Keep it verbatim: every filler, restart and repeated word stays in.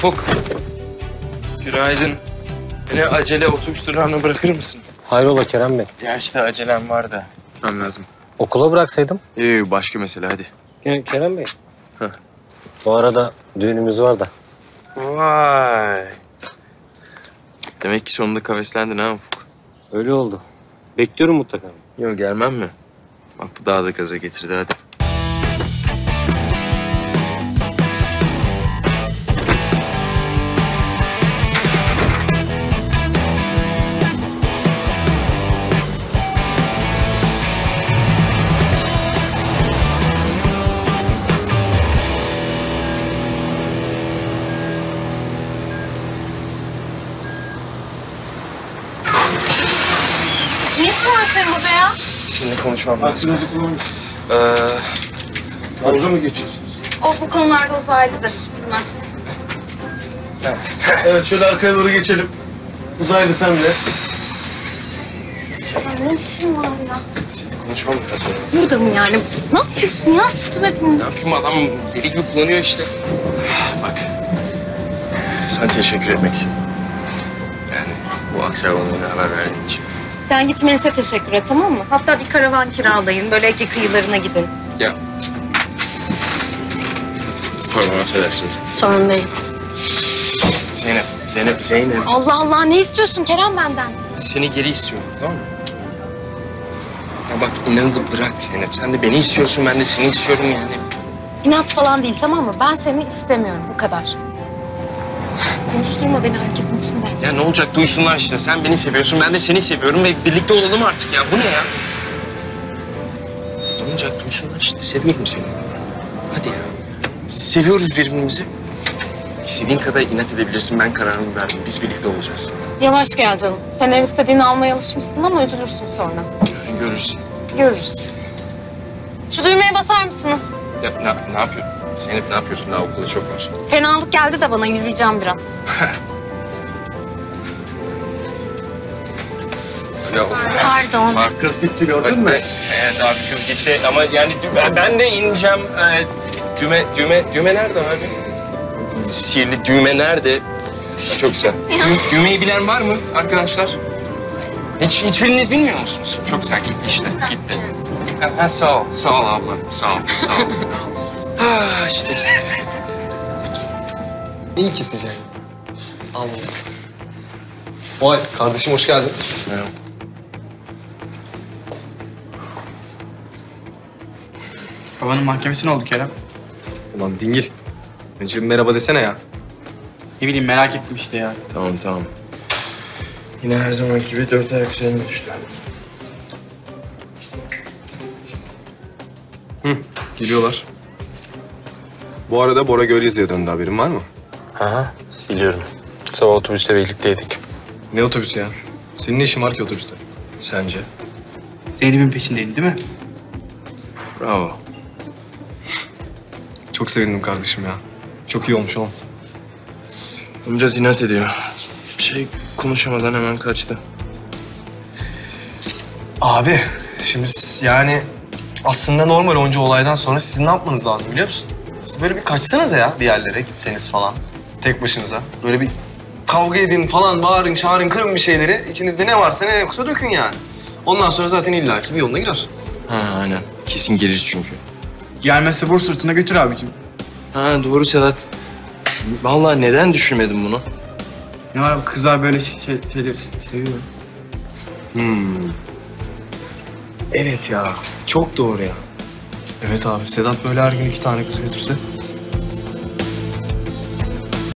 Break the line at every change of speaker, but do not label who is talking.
Ufuk. Günaydın. Beni acele otobüs durağına bırakır mısın?
Hayrola Kerem Bey?
Ya işte acelem var da. Gitmem lazım.
Okula bıraksaydım.
Yok başka mesele hadi.
Ke- Kerem Bey.
Heh.
Bu arada düğünümüz var da.
Vay. Demek ki sonunda kaveslendin ha Ufuk.
Öyle oldu. Bekliyorum mutlaka.
Yok gelmem mi? Bak bu daha da gaza getirdi hadi.
Ne işin var senin burada ya?
Şimdi konuşmam lazım.
Aklınızı kullanmışsınız.
Ee,
Dalga mı geçiyorsunuz?
O bu konularda uzaylıdır, bilmez.
Evet, şöyle arkaya doğru geçelim. Uzaylı sen de.
Ya ne işin var ya?
şimdi konuşmam lazım.
Burada mı yani? Ne yapıyorsun ya? Tuttum hepimizi.
Ne yapayım adam deli gibi kullanıyor işte. Bak. Sana teşekkür etmek istedim. Yani bu aksiyonlarına haber verdiğin için.
Sen git Melis'e teşekkür et, tamam mı? Hatta bir karavan kiralayın, böyle Ege kıyılarına gidin.
Ya. Pardon affedersiniz.
Sorun değil.
Zeynep, Zeynep, Zeynep.
Allah Allah, ne istiyorsun Kerem benden?
Ben seni geri istiyorum, tamam mı? Ya bak inanı da bırak Zeynep. Sen de beni istiyorsun, ben de seni istiyorum yani.
İnat falan değil, tamam mı? Ben seni istemiyorum, bu kadar. Konuşturma beni herkesin içinde.
Ya ne olacak duysunlar işte. Sen beni seviyorsun, ben de seni seviyorum ve birlikte olalım artık ya. Bu ne ya? Ne olacak duysunlar işte. Seviyorum seni. Hadi ya. Seviyoruz birbirimizi. İstediğin kadar inat edebilirsin. Ben kararımı verdim. Biz birlikte olacağız.
Yavaş gel canım. Sen her istediğini almaya alışmışsın ama üzülürsün sonra.
Yani görürsün.
Görürüz. Şu düğmeye basar mısınız?
Ya ne, ne yapıyorsun? Zeynep ne yapıyorsun? Daha okulda çok var.
Fenalık geldi de bana, yürüyeceğim biraz.
Ya
Pardon.
bak,
Kız gitti gördün
bak,
mü?
be- Evet abi kız gitti ama yani dü- ben, ben de ineceğim. Ee, düğme, düğme, düğme nerede abi? Sihirli düğme nerede? Çok güzel. Dü- düğmeyi bilen var mı arkadaşlar? Hiç hiçbiriniz bilmiyor musunuz? Çok güzel gitti işte. Gitti. Ha, ha, sağ ol, sağ ol abla. Sağ ol, sağ ol. Ha işte gitti.
İyi ki sıcak. Allah. Vay kardeşim hoş geldin.
Merhaba.
Babanın mahkemesi ne oldu Kerem?
Ulan dingil. Önce bir merhaba desene ya.
Ne bileyim merak ettim işte ya.
Tamam tamam. Yine her zamanki gibi dört ayak üzerine düştü.
Geliyorlar. Bu arada Bora Gölgezi'ye döndü, haberin var mı?
Aha biliyorum. Sabah otobüste birlikteydik.
Ne otobüsü ya? Senin ne işin var ki otobüste?
Sence?
Zeynep'in peşindeydi değil mi?
Bravo.
Çok sevindim kardeşim ya. Çok iyi olmuş oğlum.
Biraz inat ediyor. Bir şey konuşamadan hemen kaçtı.
Abi şimdi siz yani aslında normal onca olaydan sonra sizin ne yapmanız lazım biliyor musun? Siz böyle bir kaçsanıza ya bir yerlere gitseniz falan. Tek başınıza. Böyle bir kavga edin falan, bağırın, çağırın, kırın bir şeyleri. İçinizde ne varsa ne yoksa dökün yani. Ondan sonra zaten illaki bir yoluna girer.
Ha aynen. Kesin gelir çünkü.
Gelmezse vur sırtına götür abicim.
Ha doğru Sedat. Vallahi neden düşünmedim bunu?
Ne var kızlar böyle şey, şeyleri seviyor.
Hmm. Evet ya. Çok doğru ya. Evet abi. Sedat böyle her gün iki tane kız götürse